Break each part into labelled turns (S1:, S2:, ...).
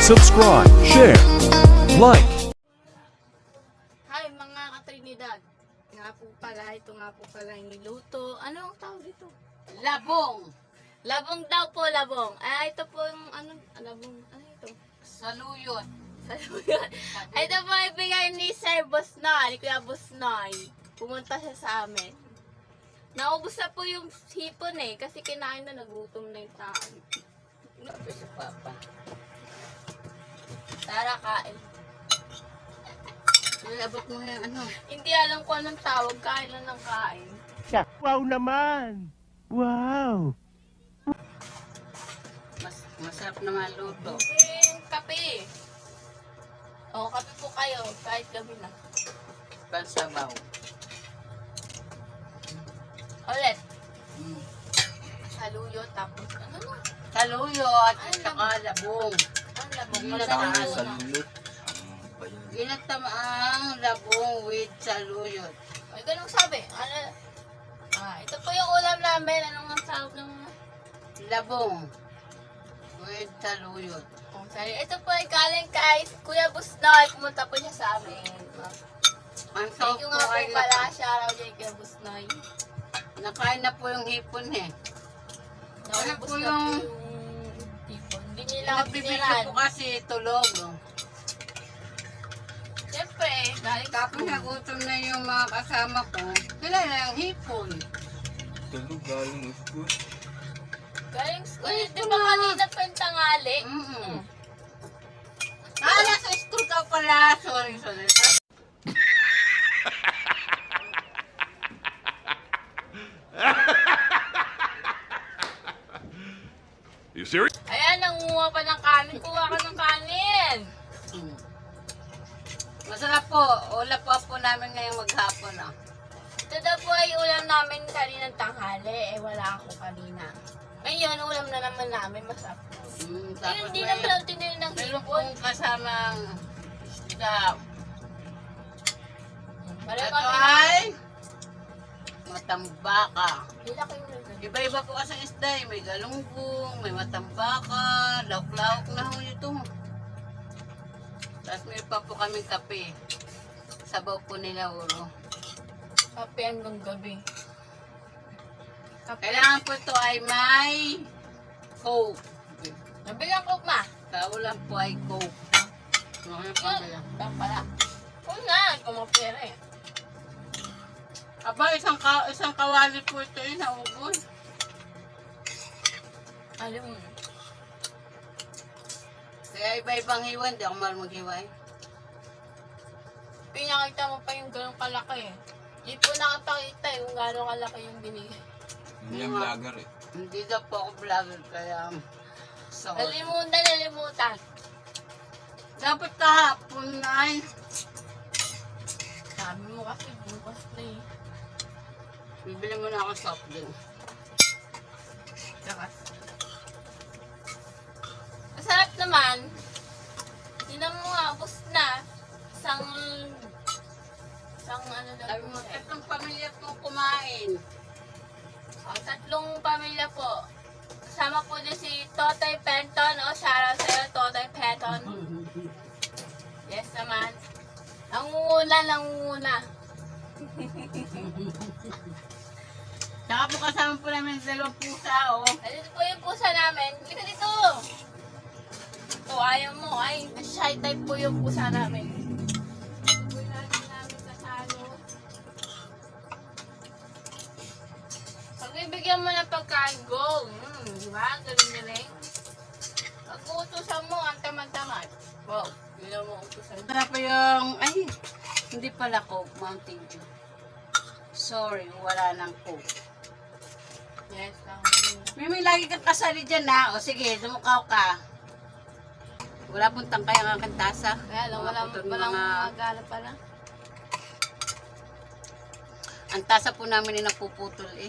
S1: subscribe, share, like.
S2: Hi mga ka-Trinidad. Nga po pala, ito nga po pala yung niluto. Ano ang tawag dito?
S3: Labong.
S2: Labong daw po, labong. Ito po yung labong, ano ito?
S3: Saluyot.
S2: Saluyot. Ito po ibigay ni Sir Bosnoy, ni Kuya Bosnoy. Pumunta siya sa amin. Naubos na po yung hipon kasi kinain na, nagutom na yung tao.
S3: Sabi sa papa.
S2: Tara, kain.
S3: Abot mo yung ano.
S2: Hindi alam ko anong tawag, kain lang ng kain.
S4: Wow naman! Wow!
S3: Masarap na maluto.
S2: Kape. O, kape po kayo, kahit gabi na.
S3: Pansabaw.
S2: Ulit.
S3: Mm.
S2: Saluyo, tapos ano na?
S3: Saluyot at saka labong.
S2: Ang labong
S3: Hindi
S2: pala
S3: na
S2: na
S3: tayo
S2: saluyot.
S3: Ginatamaang labong with saluyot.
S2: Ay, ganun sabi. Ito po yung ulam namin. Anong ang tawag ng
S3: Labong with saluyot.
S2: sorry. Ito po ay galing kay Kuya Busnoy. Pumunta po siya sa amin.
S3: Ang
S2: Thank
S3: sarap
S2: you
S3: po
S2: nga po
S3: ay
S2: pala. Shoutout kay Kuya Busnoy.
S3: nakain na po yung hipon eh.
S2: Naubos
S3: po
S2: na
S3: yung-
S2: po yung tipon. Hindi nila ako
S3: Nagbibigay
S2: piniran.
S3: po kasi tulog.
S2: Siyempre, galing
S3: Tapos nagutom na yung mga kasama ko. Sila na yung hipon.
S5: Tulog galing school.
S2: galing school.
S3: Ay,
S2: Di ba kanina pa yung tangali?
S3: Mm-mm. Nasa school ka pala. Sorry.
S1: You serious?
S2: Ayan, nanguha pa ng kanin. Kuha ka ng kanin.
S3: Mm. Masarap po. Ula po namin ngayong maghapon. Ah.
S2: Ito daw po ay ulam namin kaninang tanghali. Wala ako kanina. Ngayon, ulam na naman namin. Masarap.
S3: Tapos
S2: Hindi naman ang tinili ng
S3: meron
S2: hipon.
S3: pong kasamang isda.
S2: Wala
S3: Ito
S2: kami
S3: ay matambaka.
S2: Hila ko yung lugar.
S3: Iba-iba po kasi isda eh. May galunggong, may matambaka, lauk-lauk na ho ito. Tapos may pa po kami kape. Sabaw po nila uro.
S2: Kape hanggang gabi. Kape.
S3: Kailangan po ito ay may coke.
S2: Nabilang ko ma.
S3: Kaulan po ay coke. Ano pa nila?
S2: Lang pala. Oo nga, kumapira eh.
S3: Aba, isang kawali po ito eh, naubos.
S2: Alam mo.
S3: Kaya iba-ibang hiwan, di ako marunong maghiway.
S2: Pinakita mo pa yung ganong kalaki eh. Di po nakapakita kung gano'ng kalaki yung binigay.
S5: Hindi ang vlogger eh.
S3: Hindi daw po ako vlogger, kaya sorry.
S2: Nalimutan.
S3: Dapat kahapon ay
S2: Sabi mo kasi bukas na eh.
S3: bibili mo na ako soft drink.
S2: Lakas. Masarap naman. Tinan mo nga, ubos na. Isang ano daw
S3: Sabi
S2: po
S3: mo,
S2: eh.
S3: tatlong pamilya po kumain.
S2: Tatlong pamilya po. Kasama po din si Totoy Penton. Shoutout sa'yo, Totoy Penton. Yes naman. Nangunguna.
S3: Saka po kasama po namin sa dalawang pusa, oh.
S2: Dito po yung pusa namin. Halika dito. Ito, ayaw mo. Ay, shy type po yung pusa namin. Ito po yung namin kasalo. Pagbibigyan mo ng pagkain, go. Di ba? Galing-galing. Pag uutusan mo, ang tamad-tamad. Wow, yun mo utusan.
S3: Tara pa yung, ay, hindi pala Coke, Mountain Dew. Sorry, wala nang Coke.
S2: Yes, lang.
S3: May lagi kang kasali dyan na. O sige, dumukaw ka. Wala pong tangkay ang aking tasa.
S2: Kaya lang, walang magala pala.
S3: Ang tasa po namin ay napuputol eh.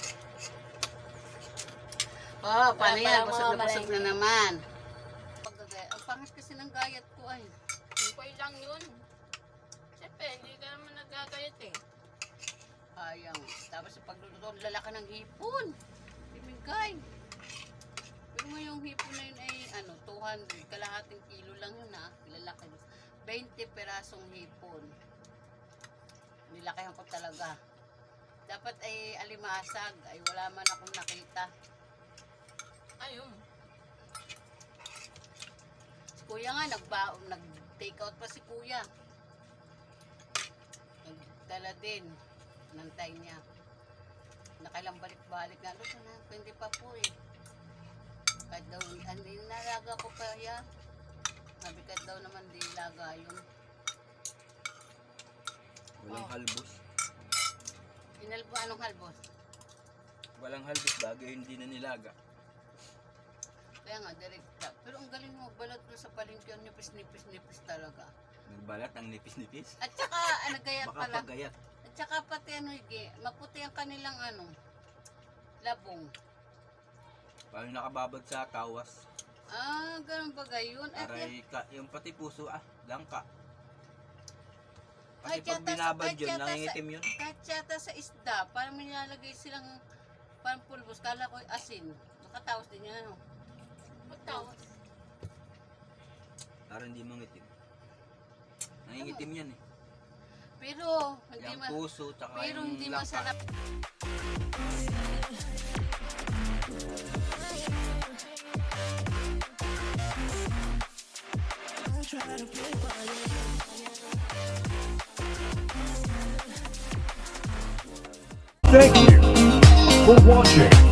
S3: Oh, paano
S2: Wala
S3: yan?
S2: palang
S3: Busog
S2: mga
S3: na naman. Ang pangit kasi ng gayat ko ay.
S2: Okay lang yun. Siyempre, hindi ka naman nagagayat eh.
S3: Sayang. Tapos sa pagluluto, lalaki ng hipon. Bibigay. Pero mo yung hipon na yun ay ano, 200, kalahating kilo lang yun ha, lalaki. 20 perasong hipon. Nilakihan ko talaga. Dapat ay alimasag, ay wala man akong nakita.
S2: Ayun.
S3: Si kuya nga, nag-take out pa si kuya. Nagdala din, nantay niya. Nakailang balik-balik na, luto na, hindi pa po eh. Kahit daw, hindi nalaga ko pa yan. Sabi kahit daw naman di laga yun.
S5: Walang halbos.
S3: Inalbo, anong halbos?
S5: Walang halbos bagay hindi na nilaga.
S3: Kaya nga, direkta. Pero ang galing mo, balot mo sa palengke, ang nipis-nipis-nipis talaga.
S5: Nagbalat ang nipis-nipis.
S3: At saka, nagayat
S5: Baka
S3: pala.
S5: pagayat.
S3: At saka pati maputi ang kanilang labong.
S5: Parang nakababad sa kawas.
S3: Ah, ganun ba gayon? At
S5: Aray ka, yung pati puso langka.
S3: Kahit
S5: Kasi pag
S3: yata
S5: binabad yun,
S3: kahit yata
S5: nangingitim yun.
S3: kahit yata sa isda, parang may nilalagay silang parang pulbos. Kala ko asin. Nakatawas din yan, ano?
S2: Magtawas.
S5: Para hindi mangitim. Nangingitim yan eh.
S3: Pero, hindi
S5: Yung puso, tsaka
S3: pero
S5: yung
S3: hindi
S5: langka.
S3: masarap.
S1: Thank you for watching.